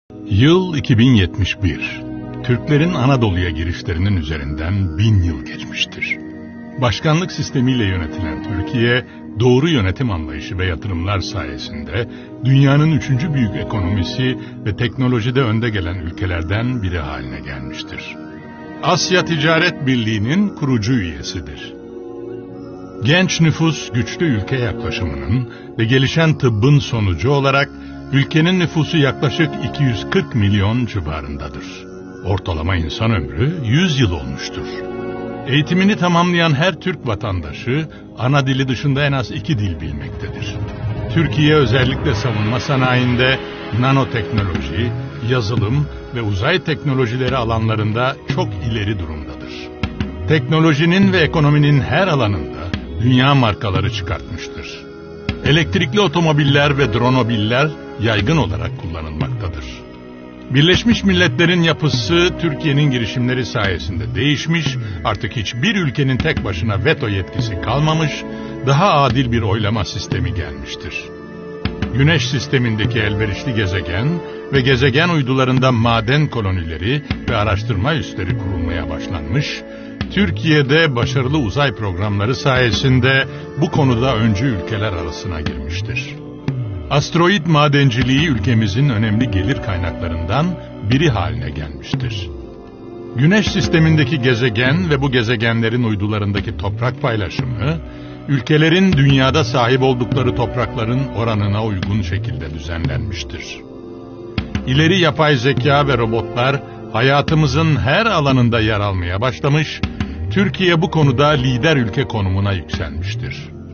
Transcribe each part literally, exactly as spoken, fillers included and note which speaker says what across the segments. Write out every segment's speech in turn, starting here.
Speaker 1: Yıl iki bin yetmiş bir. Türklerin Anadolu'ya girişlerinin üzerinden bin yıl geçmiştir. Başkanlık sistemiyle yönetilen Türkiye, doğru yönetim anlayışı ve yatırımlar sayesinde dünyanın üçüncü büyük ekonomisi ve teknolojide önde gelen ülkelerden biri haline gelmiştir. Asya Ticaret Birliği'nin kurucu üyesidir. Genç nüfus güçlü ülke yaklaşımının ve gelişen tıbbın sonucu olarak ülkenin nüfusu yaklaşık iki yüz kırk milyon civarındadır. Ortalama insan ömrü yüz yıl olmuştur. Eğitimini tamamlayan her Türk vatandaşı ana dili dışında en az iki dil bilmektedir. Türkiye özellikle savunma sanayinde nanoteknoloji, yazılım ve uzay teknolojileri alanlarında çok ileri durumdadır. Teknolojinin ve ekonominin her alanında dünya markaları çıkartmıştır. Elektrikli otomobiller ve dronobiller yaygın olarak kullanılmaktadır. Birleşmiş Milletler'in yapısı Türkiye'nin girişimleri sayesinde değişmiş, artık hiçbir ülkenin tek başına veto yetkisi kalmamış, daha adil bir oylama sistemi gelmiştir. Güneş sistemindeki elverişli gezegen ve gezegen uydularında maden kolonileri ve araştırma üsleri kurulmaya başlanmış, Türkiye'de başarılı uzay programları sayesinde bu konuda öncü ülkeler arasına girmiştir. Asteroid madenciliği ülkemizin önemli gelir kaynaklarından biri haline gelmiştir. Güneş sistemindeki gezegen ve bu gezegenlerin uydularındaki toprak paylaşımı, ülkelerin dünyada sahip oldukları toprakların oranına uygun şekilde düzenlenmiştir. İleri yapay zeka ve robotlar hayatımızın her alanında yer almaya başlamış, Türkiye bu konuda lider ülke konumuna yükselmiştir.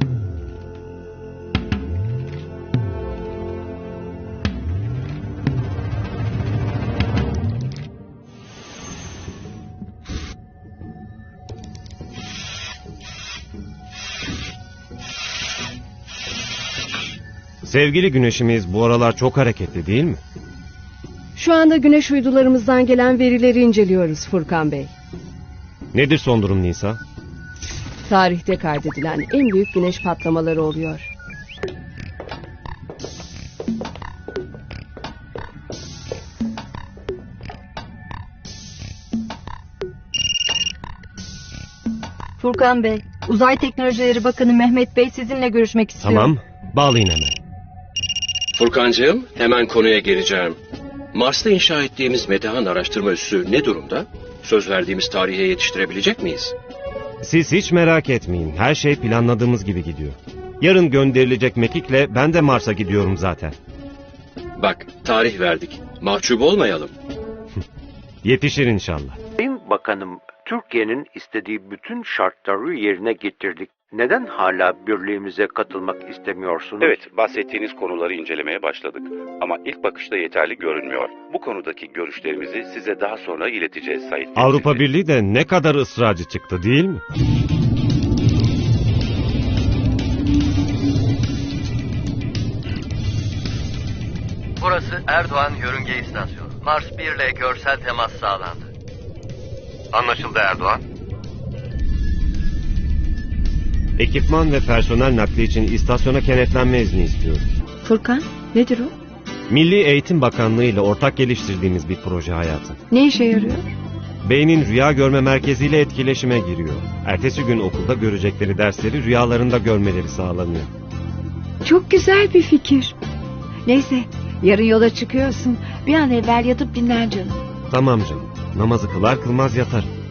Speaker 2: Sevgili güneşimiz bu aralar çok hareketli değil mi?
Speaker 3: Şu anda güneş uydularımızdan gelen verileri inceliyoruz Furkan Bey.
Speaker 2: Nedir son durum Nisa?
Speaker 3: Tarihte kaydedilen en büyük güneş patlamaları oluyor.
Speaker 4: Furkan Bey, Uzay Teknolojileri Bakanı Mehmet Bey sizinle görüşmek istiyor.
Speaker 2: Tamam, bağlayın hemen.
Speaker 5: Furkancığım, hemen konuya geleceğim. Mars'ta inşa ettiğimiz Metehan araştırma üssü ne durumda? Söz verdiğimiz tarihe yetiştirebilecek miyiz?
Speaker 2: Siz hiç merak etmeyin, her şey planladığımız gibi gidiyor. Yarın gönderilecek mekikle ben de Mars'a gidiyorum zaten.
Speaker 5: Bak, tarih verdik. Mahcup olmayalım.
Speaker 2: Yetişir inşallah.
Speaker 6: Sayın Bakanım, Türkiye'nin istediği bütün şartları yerine getirdik. Neden hala birliğimize katılmak istemiyorsunuz?
Speaker 7: Evet, bahsettiğiniz konuları incelemeye başladık. Ama ilk bakışta yeterli görünmüyor. Bu konudaki görüşlerimizi size daha sonra ileteceğiz Sayın
Speaker 2: Avrupa
Speaker 7: Temsilci.
Speaker 2: Birliği de ne kadar ısrarcı çıktı değil mi?
Speaker 8: Burası Erdoğan Yörünge İstasyonu. Mars bir ile görsel temas sağlandı. Anlaşıldı Erdoğan.
Speaker 2: Ekipman ve personel nakli için istasyona kenetlenme izni istiyoruz.
Speaker 3: Furkan, nedir o?
Speaker 2: Milli Eğitim Bakanlığı ile ortak geliştirdiğimiz bir proje hayatım.
Speaker 3: Ne işe yarıyor?
Speaker 2: Beynin rüya görme merkeziyle etkileşime giriyor. Ertesi gün okulda görecekleri dersleri rüyalarında görmeleri sağlanıyor.
Speaker 9: Çok güzel bir fikir. Neyse, yarın yola çıkıyorsun. Bir an evvel yatıp dinlen canım.
Speaker 2: Tamam canım. Namazı kılar kılmaz yatarım.